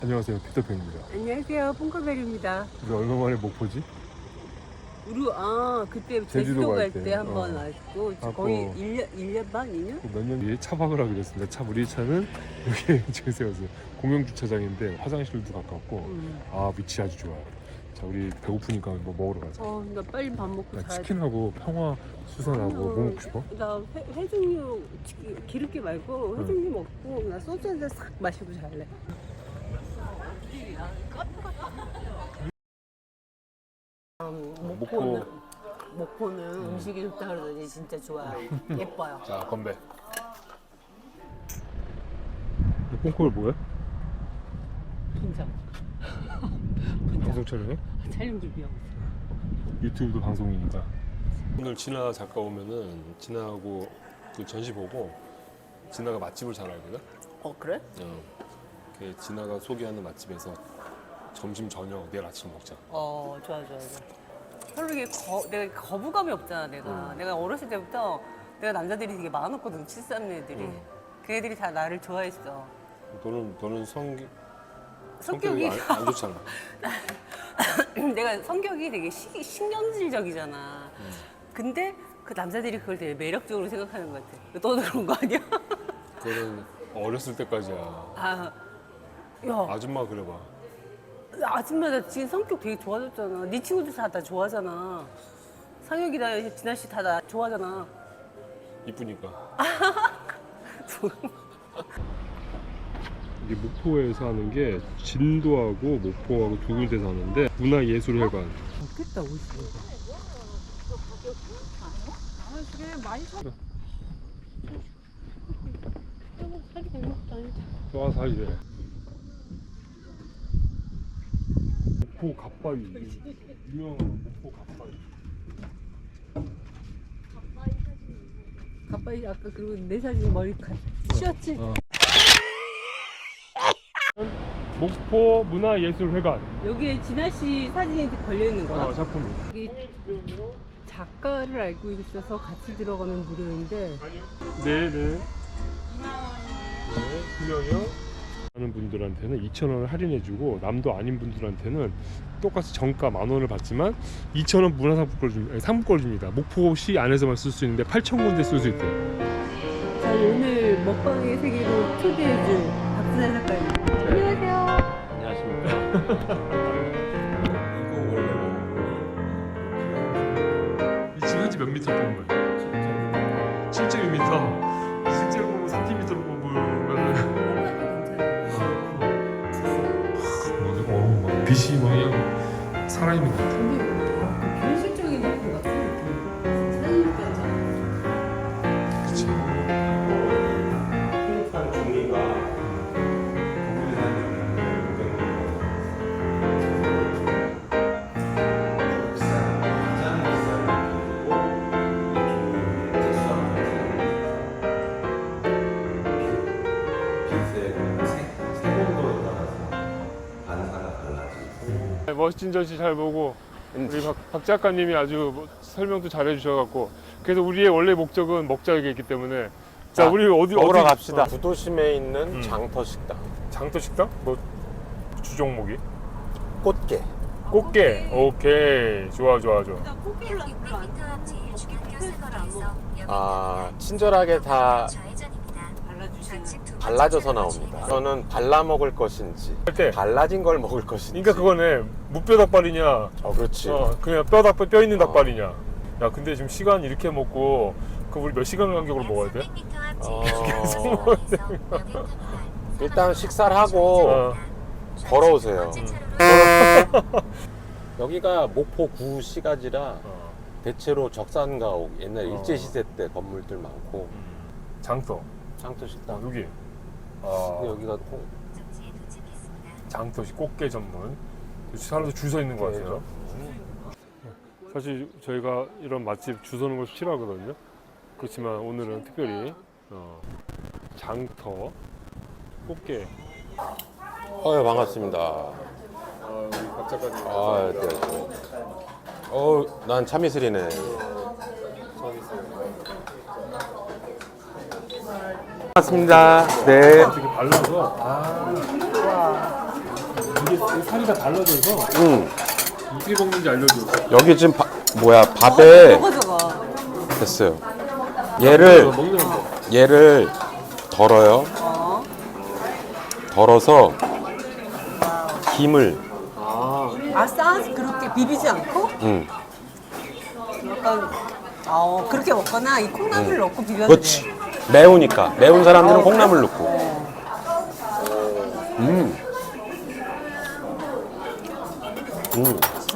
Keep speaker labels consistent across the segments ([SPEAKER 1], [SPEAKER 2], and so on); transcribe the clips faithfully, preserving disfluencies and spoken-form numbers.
[SPEAKER 1] 안녕하세요, 피터팬입니다.
[SPEAKER 2] 안녕하세요, 뽕커벨입니다.
[SPEAKER 1] 우리 얼마 만에 목포지?
[SPEAKER 2] 우리 아 그때
[SPEAKER 1] 제주도
[SPEAKER 2] 제주도
[SPEAKER 1] 갈
[SPEAKER 2] 갈
[SPEAKER 1] 때,
[SPEAKER 2] 때 한 번
[SPEAKER 1] 어.
[SPEAKER 2] 왔고
[SPEAKER 1] 하고.
[SPEAKER 2] 거의 일 년, 일 년 반, 이 년?
[SPEAKER 1] 몇 년 뒤에 차박을 하기로 했습니다. 차 우리 차는 여기 지금 세워서 공영 주차장인데 화장실도 가깝고
[SPEAKER 2] 음.
[SPEAKER 1] 아 위치 아주 좋아요. 자 우리 배고프니까 뭐 먹으러 가자.
[SPEAKER 2] 어, 나 빨리 밥 먹고
[SPEAKER 1] 나
[SPEAKER 2] 자야 돼.
[SPEAKER 1] 치킨하고 평화 수산하고 뭐 먹고 싶어?
[SPEAKER 2] 나 회, 회중류 치- 기름기 말고 회중류 먹고 나 소주 한 잔 싹 마시고 잘래. 음, 목포는 목포는 음. 식이 좋다 그러더니 진짜 좋아요. 예뻐요.
[SPEAKER 1] 자 건배. 뽕콜 뭐야?
[SPEAKER 2] 긴장.
[SPEAKER 1] 방송 촬영해?
[SPEAKER 2] 촬영 준비하고 있어.
[SPEAKER 1] 유튜브도 방송이니까. 오늘 진아 작가 오면은 진아하고 그 전시 보고 진아가 맛집을 잘 알거든.
[SPEAKER 2] 어 그래?
[SPEAKER 1] 어. 그 진아가 소개하는 맛집에서 점심 저녁 내일 아침 먹자.
[SPEAKER 2] 어 좋아 좋아 좋아. 별로 이게 거, 내가 거부감이 없잖아 내가.
[SPEAKER 1] 음.
[SPEAKER 2] 내가 어렸을 때부터 내가 남자들이 되게 많았거든. 칠삼 애들이.
[SPEAKER 1] 음.
[SPEAKER 2] 그 애들이 다 나를 좋아했어.
[SPEAKER 1] 너는 너는 성
[SPEAKER 2] 성격이
[SPEAKER 1] 성격이 안, 안 좋잖아.
[SPEAKER 2] 내가 성격이 되게 시, 신경질적이잖아.
[SPEAKER 1] 음.
[SPEAKER 2] 근데 그 남자들이 그걸 되게 매력적으로 생각하는 것 같아. 너도 그런 거 아니야?
[SPEAKER 1] 그거는 어렸을 때까지야.
[SPEAKER 2] 아, 야,
[SPEAKER 1] 아줌마 그래봐.
[SPEAKER 2] 아줌마 나 지금 성격 되게 좋아졌잖아. 네 친구들 다 나 좋아하잖아. 상혁이나 진아 씨 다 나 좋아하잖아.
[SPEAKER 1] 이쁘니까. 이게 목포에서 하는 게 진도하고 목포하고 두 군데서 하는데 문화예술회관.
[SPEAKER 2] 좋겠다 오십. 아 그래 많이 사. 살이 잘못도 아니다.
[SPEAKER 1] 좋아 사이래. 목포 갓바위. 유명한 목포 갓바위.
[SPEAKER 2] 가빠이 아까 그리고 내 사진 머리 가 씌웠지?
[SPEAKER 1] 어. 목포 문화예술회관.
[SPEAKER 2] 여기에 진아 씨 사진이 걸려 있는 거야?
[SPEAKER 1] 어, 작품이.
[SPEAKER 2] 여기 작가를 알고 있어서 같이 들어가면 무료인데.
[SPEAKER 1] 네네. 네, 두 명이요. 하는 분들한테는 이천 원을 할인해주고 남도 아닌 분들한테는 똑같이 정가 만 원을 받지만 이천 원 문화상품권을 줍니다. 상품권을 줍니다. 목포시 안에서만 쓸 수 있는데 팔천 군데 쓸 수 있대요.
[SPEAKER 2] 자, 오늘 먹방의 세계로 초대해줄 박순환 작가님.
[SPEAKER 1] 네.
[SPEAKER 2] 안녕하세요.
[SPEAKER 3] 안녕하십니까. 이거 원래
[SPEAKER 1] 이 지금 현재 몇 미터 뽑은 거예요? 칠 점 이 미터. 실제로 보면 삼 센티미터로 뽑으면은 어, 막 빛이 막 그냥 살아있는 것 같아.
[SPEAKER 2] 근데 그 현실적인 작품 같은 느낌. 사진까지.
[SPEAKER 1] 그치.
[SPEAKER 3] 핑크한 종이가 거기에 다니는 비싼 가장 비싼 그리고 이 종이의 특수한 빛의 색온도에 따라서 반사가 달라지고.
[SPEAKER 1] 멋진 전시 잘 보고 우리 박, 박 작가님이 아주 뭐 설명도 잘 해주셔갖고 그래서 우리의 원래 목적은 먹자였기 때문에 자,
[SPEAKER 3] 자,
[SPEAKER 1] 우리 어디
[SPEAKER 3] 먹으러
[SPEAKER 1] 어디
[SPEAKER 3] 갑시다.
[SPEAKER 1] 어,
[SPEAKER 3] 구도심에 있는
[SPEAKER 1] 음.
[SPEAKER 3] 장터 식당.
[SPEAKER 1] 장터 식당? 뭐 주종목이?
[SPEAKER 3] 꽃게.
[SPEAKER 1] 꽃게. 오케이 좋아 좋아 좋아.
[SPEAKER 3] 아, 친절하게 다
[SPEAKER 2] 발라주시는.
[SPEAKER 3] 발라져서 나옵니다. 저는 발라 먹을 것인지
[SPEAKER 1] 할 때.
[SPEAKER 3] 발라진 걸 먹을 것인지.
[SPEAKER 1] 그러니까 그거네 무뼈 닭발이냐?
[SPEAKER 3] 어, 그렇지.
[SPEAKER 1] 어 그냥 뼈 닭발 뼈 있는
[SPEAKER 3] 어.
[SPEAKER 1] 닭발이냐? 야 근데 지금 시간 이렇게 먹고 그 우리 몇 시간 간격으로 먹어야 돼?
[SPEAKER 3] 어... 일단 식사를 하고
[SPEAKER 1] 어.
[SPEAKER 3] 걸어오세요. 여기가 목포 구시가지라
[SPEAKER 1] 어.
[SPEAKER 3] 대체로 적산가옥 옛날
[SPEAKER 1] 어.
[SPEAKER 3] 일제시대 때 건물들 많고
[SPEAKER 1] 장터.
[SPEAKER 3] 장터
[SPEAKER 1] 아,
[SPEAKER 3] 식당.
[SPEAKER 1] 여기.
[SPEAKER 3] 근데
[SPEAKER 1] 아
[SPEAKER 3] 여기가 꼭
[SPEAKER 1] 장터식 꽃게 전문. 사람들 줄 서 있는 것 같아요. 사실 저희가 이런 맛집 줄 서는 걸 싫어하거든요. 그렇지만 오늘은 특별히 어, 장터 꽃게.
[SPEAKER 3] 어, 반갑습니다.
[SPEAKER 1] 아, 우리 박 작가님.
[SPEAKER 3] 아, 네. 어, 난 참이슬이네. 반갑습니다. 네.
[SPEAKER 1] 되게 발라서. 아. 살이 다 달라져서
[SPEAKER 3] 응.
[SPEAKER 1] 어떻게 먹는지 알려줘.
[SPEAKER 3] 여기 지금 바, 뭐야 밥에
[SPEAKER 2] 저거 저거.
[SPEAKER 3] 됐어요. 얘를
[SPEAKER 1] 먹는 거.
[SPEAKER 3] 얘를 덜어요.
[SPEAKER 2] 어.
[SPEAKER 3] 덜어서 김을
[SPEAKER 1] 아,
[SPEAKER 2] 아싸 그렇게 비비지 않고
[SPEAKER 3] 응.
[SPEAKER 2] 약간 어 그렇게 먹거나 이 콩나물을 넣고 비벼도
[SPEAKER 3] 그렇지.
[SPEAKER 2] 돼.
[SPEAKER 3] 매우니까 매운 사람들은 콩나물 넣고.
[SPEAKER 2] 어.
[SPEAKER 3] 음. 음.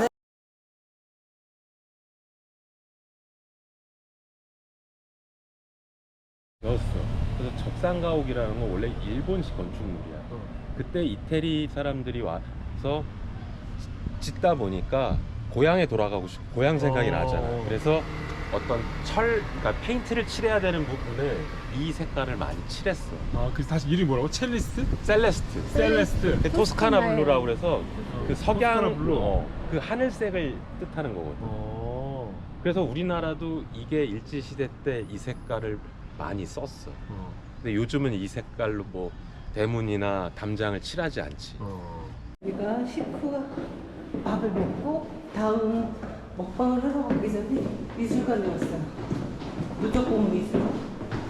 [SPEAKER 4] 배웠어. 그래서 적산가옥이라는 건 원래 일본식 건축물이야. 그때 이태리 사람들이 와서 짓다 보니까 고향에 돌아가고 싶고 고향 생각이
[SPEAKER 1] 어.
[SPEAKER 4] 나잖아. 그래서 어떤 철, 그러니까 페인트를 칠해야 되는 부분을 이 색깔을 많이 칠했어.
[SPEAKER 1] 아, 그래서 다시 이름이 뭐라고? 첼리스트?
[SPEAKER 4] 셀레스트.
[SPEAKER 1] 셀레스트.
[SPEAKER 4] 그 토스카나 블루라고 그래서 그
[SPEAKER 1] 토스카나
[SPEAKER 4] 석양
[SPEAKER 1] 블루.
[SPEAKER 4] 어, 그 하늘색을 뜻하는 거거든.
[SPEAKER 1] 어.
[SPEAKER 4] 그래서 우리나라도 이게 일제 시대 때 이 색깔을 많이 썼어.
[SPEAKER 1] 어.
[SPEAKER 4] 근데 요즘은 이 색깔로 뭐 대문이나 담장을 칠하지 않지.
[SPEAKER 1] 어.
[SPEAKER 2] 우리가 식구가 밥을 먹고 다음 먹방을 하러 가기 전에 미술관에 왔어요. 무조건 미술관.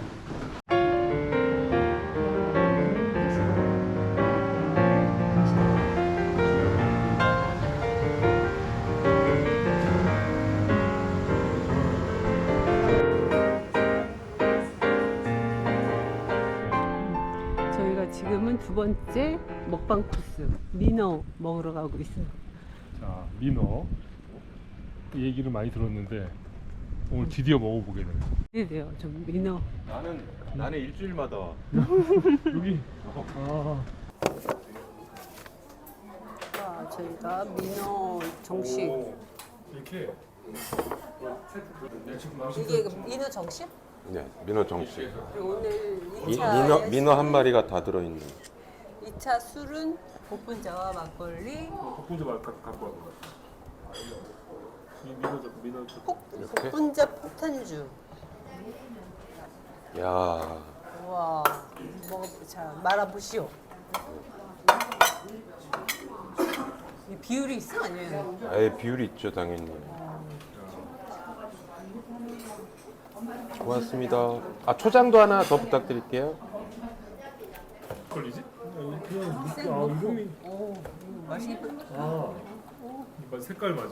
[SPEAKER 2] 저희가 지금은 두 번째 먹방 코스 민어 먹으러 가고 있어요.
[SPEAKER 1] 자, 민어. 이 얘기를 많이 들었는데 오늘 드디어 먹어보게 되네.
[SPEAKER 2] 기대돼요. 좀 민어.
[SPEAKER 4] 나는 나는 일주일마다 와.
[SPEAKER 1] 여기. 아.
[SPEAKER 2] 자, 저희가 민어 정식.
[SPEAKER 1] 이렇게.
[SPEAKER 2] 이게 그 민어 정식?
[SPEAKER 3] 네, 민어 정식.
[SPEAKER 2] 그리고 오늘
[SPEAKER 3] 미,
[SPEAKER 2] 이 차
[SPEAKER 3] 민어 민어 한 마리가 다 들어 있는.
[SPEAKER 2] 이 차 술은 복분자와 막걸리,
[SPEAKER 1] 복분자 말 갖고 와봐. 이 민어 잡고 민어 잡고.
[SPEAKER 2] 폭,
[SPEAKER 3] 이렇게?
[SPEAKER 2] 복분자 폭탄주.
[SPEAKER 3] 야,
[SPEAKER 2] 우와, 먹어, 자 말아보시오. 이 비율이 있어 아니에요?
[SPEAKER 3] 아예 비율이 있죠 당연히. 고맙습니다. 아 초장도 하나 더 부탁드릴게요.
[SPEAKER 1] 걸리지? 그냥 이렇게 아 이름이
[SPEAKER 2] 오, 맛있겠다.
[SPEAKER 1] 아 이거 색깔 맞아.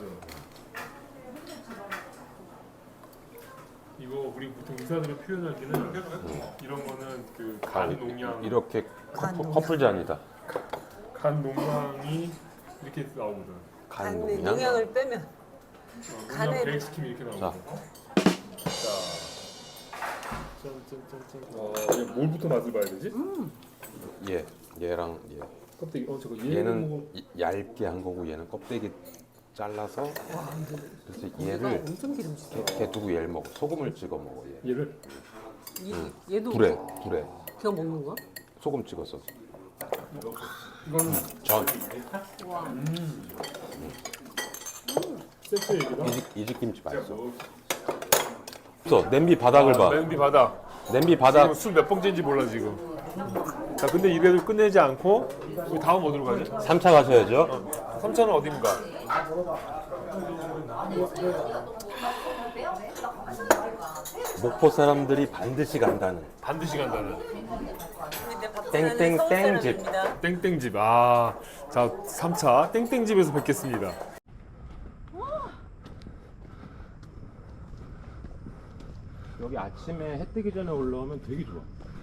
[SPEAKER 1] 이거 우리 보통 의사들이 표현할 때는 이런 거는 그 간 농양,
[SPEAKER 3] 이렇게
[SPEAKER 2] 간
[SPEAKER 3] 커플,
[SPEAKER 2] 농양.
[SPEAKER 3] 커플잔이다.
[SPEAKER 1] 간 농양이 이렇게 나오거든.
[SPEAKER 3] 간
[SPEAKER 2] 간
[SPEAKER 3] 농양.
[SPEAKER 2] 농약을 빼면
[SPEAKER 1] 어,
[SPEAKER 2] 간에-
[SPEAKER 1] 농양 배식시키면 이렇게
[SPEAKER 3] 자.
[SPEAKER 1] 나오거든. 자, 짠짠짠짠. 어, 얘 뭘부터 맛을 봐야 되지?
[SPEAKER 3] 얘 얘랑 얘.
[SPEAKER 1] 껍데기. 어 저거
[SPEAKER 3] 얘는
[SPEAKER 1] 얘는 뭐
[SPEAKER 3] 이- 얇게 한 거고 얘는 껍데기 잘라서. 그래서
[SPEAKER 2] 얘가
[SPEAKER 3] 얘를
[SPEAKER 2] 엄청 기름지다.
[SPEAKER 3] 걔, 걔 두고 얘를 먹어. 소금을 찍어 먹어 얘.
[SPEAKER 1] 얘를
[SPEAKER 2] 얘, 얘도
[SPEAKER 3] 불에 불에
[SPEAKER 2] 그냥 먹는 거야?
[SPEAKER 3] 소금 찍어서.
[SPEAKER 1] 이건
[SPEAKER 3] 전
[SPEAKER 2] 와,
[SPEAKER 1] 세트 얘기다.
[SPEAKER 3] 이집 이집김치 맛있어. 없어 냄비 바닥을
[SPEAKER 1] 아,
[SPEAKER 3] 봐.
[SPEAKER 1] 냄비 바닥.
[SPEAKER 3] 냄비 바닥.
[SPEAKER 1] 술 몇 봉지인지 몰라 지금. 자, 근데 이래도 끝내지 않고 우리 다음 어디로 가지?
[SPEAKER 3] 삼 차 가셔야죠.
[SPEAKER 1] 삼 차는 어딘가?
[SPEAKER 3] 목포 사람들이 반드시 간다는
[SPEAKER 1] 반드시 간다는
[SPEAKER 2] 근데 박사는
[SPEAKER 3] 땡땡
[SPEAKER 2] 서울
[SPEAKER 3] 땡집.
[SPEAKER 2] 사람입니다.
[SPEAKER 1] 땡땡집. 아, 자, 삼 차 땡땡집에서 뵙겠습니다.
[SPEAKER 4] 여기 아침에 해 뜨기 전에 올라오면 되게 좋아.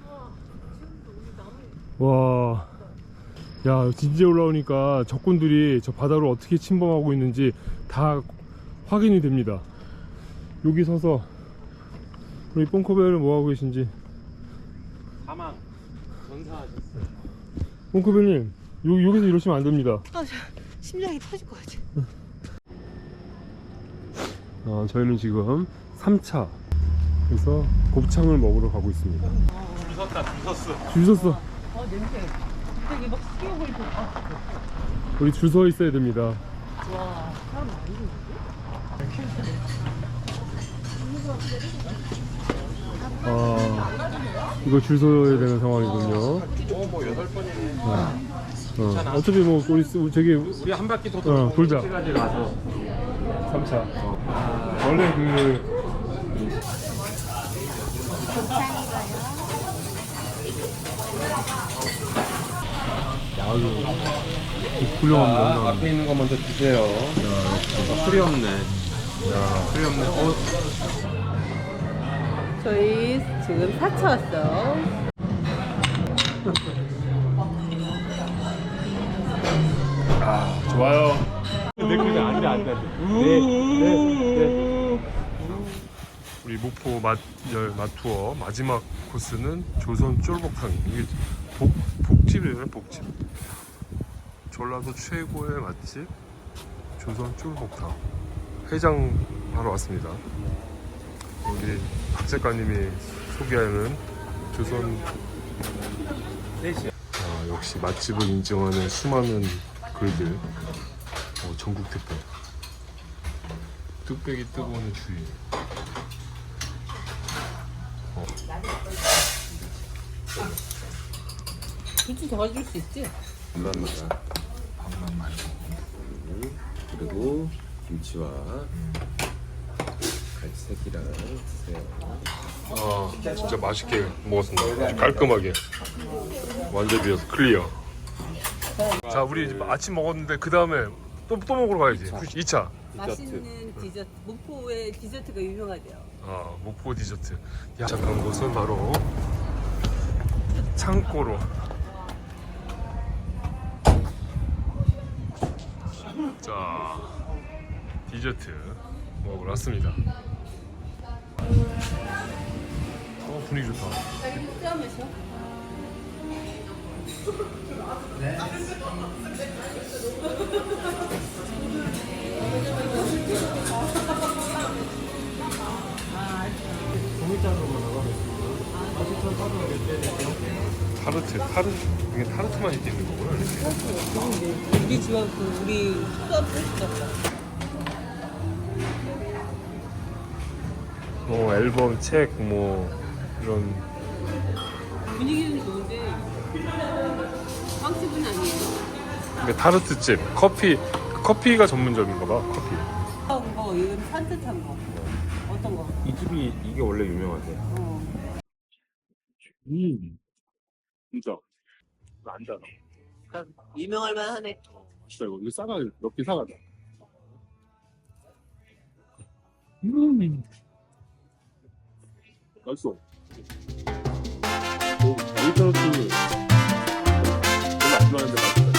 [SPEAKER 1] 와, 야, 진지에 올라오니까 적군들이 저 바다로 어떻게 침범하고 있는지 다 확인이 됩니다. 여기 서서 우리 뽕커벨은 뭐 하고 계신지.
[SPEAKER 4] 사망 전사하셨어요.
[SPEAKER 1] 뽕커벨님, 요 여기서 이러시면 안 됩니다.
[SPEAKER 2] 아, 저, 심장이 터질 것 같아.
[SPEAKER 1] 어, 저희는 지금 삼 차 그래서 곱창을 먹으러 가고 있습니다.
[SPEAKER 4] 줄 섰다, 줄 섰어.
[SPEAKER 1] 줄 섰어.
[SPEAKER 2] 어, 냄새. 갑자기 막 튀어버리고. 아,
[SPEAKER 1] 우리 줄 서 있어야 됩니다.
[SPEAKER 2] 와, 사람 많이 있는데?
[SPEAKER 1] 아, 이거 줄 서야 되는 상황이군요.
[SPEAKER 4] 어, 뭐 여덟 번이네.
[SPEAKER 1] 어, 어차피 뭐 우리 쓰- 저기
[SPEAKER 4] 우리 한 바퀴 더
[SPEAKER 1] 어, 돌자.
[SPEAKER 4] 가지 가서.
[SPEAKER 1] 삼 차. 원래 그 아유 훌륭합니다.
[SPEAKER 4] 자, 앞에 있는 거 먼저 주세요. 야, 풀이 없네. 야, 풀이 없네. 어,
[SPEAKER 2] 저희 지금 사 차 왔어요.
[SPEAKER 1] 아 좋아요. 내 그게 안돼 안돼. 네네네. 우리 목포 맛열 맛투어 마지막 코스는 조선 쫄복탕. 이게 복 복집이에요 복집. 전라도 최고의 맛집 조선 쫄복탕. 해장 하러 왔습니다. 여기 박 작가님이 소개하는 조선. 아, 역시 맛집을 인정하는 수많은 글들. 어, 전국 택배. 뚝배기 뜨거운 주의. 어.
[SPEAKER 2] 굳이 더 가줄 수 있지?
[SPEAKER 4] 반만만. 반만만. 그리고 김치와 갈색이랑 드세요.
[SPEAKER 1] 아, 진짜 맛있게 먹었습니다. 아주 깔끔하게. 완전 비어서 클리어. 자, 우리 이제 아침 먹었는데 그 다음에 또, 또 먹으러 가야지. 이 차.
[SPEAKER 2] 맛있는 디저트. 목포의 디저트가 유명하대요.
[SPEAKER 1] 아, 목포 디저트. 야, 잠깐 곳은 바로 창고로. 자, 디저트 먹으러 왔습니다. 어, 분위기 좋다.
[SPEAKER 2] 짬에서
[SPEAKER 1] 타르트, 타르트. 이게 타르트만 이렇게 있는 거구나. 이렇게.
[SPEAKER 2] 우리 집안 그 우리 수업 했었어.
[SPEAKER 1] 뭐 앨범, 책, 뭐 이런.
[SPEAKER 2] 분위기는 좋은데 빵집은 아니에요.
[SPEAKER 1] 이게 타르트집, 커피, 커피가 전문점인가 봐. 커피.
[SPEAKER 2] 한 거, 이건 산뜻한 거. 어떤 거?
[SPEAKER 4] 이 집이 이게 원래 유명하대.
[SPEAKER 2] 어.
[SPEAKER 1] 음, 진짜 안 달아.
[SPEAKER 2] 유명할 만하네.
[SPEAKER 1] 진짜 이거 이거 싸가 몇개 사가자. 음, 맛있어. 오, 여기 타르트 별로 안 좋아하는데 맛있다.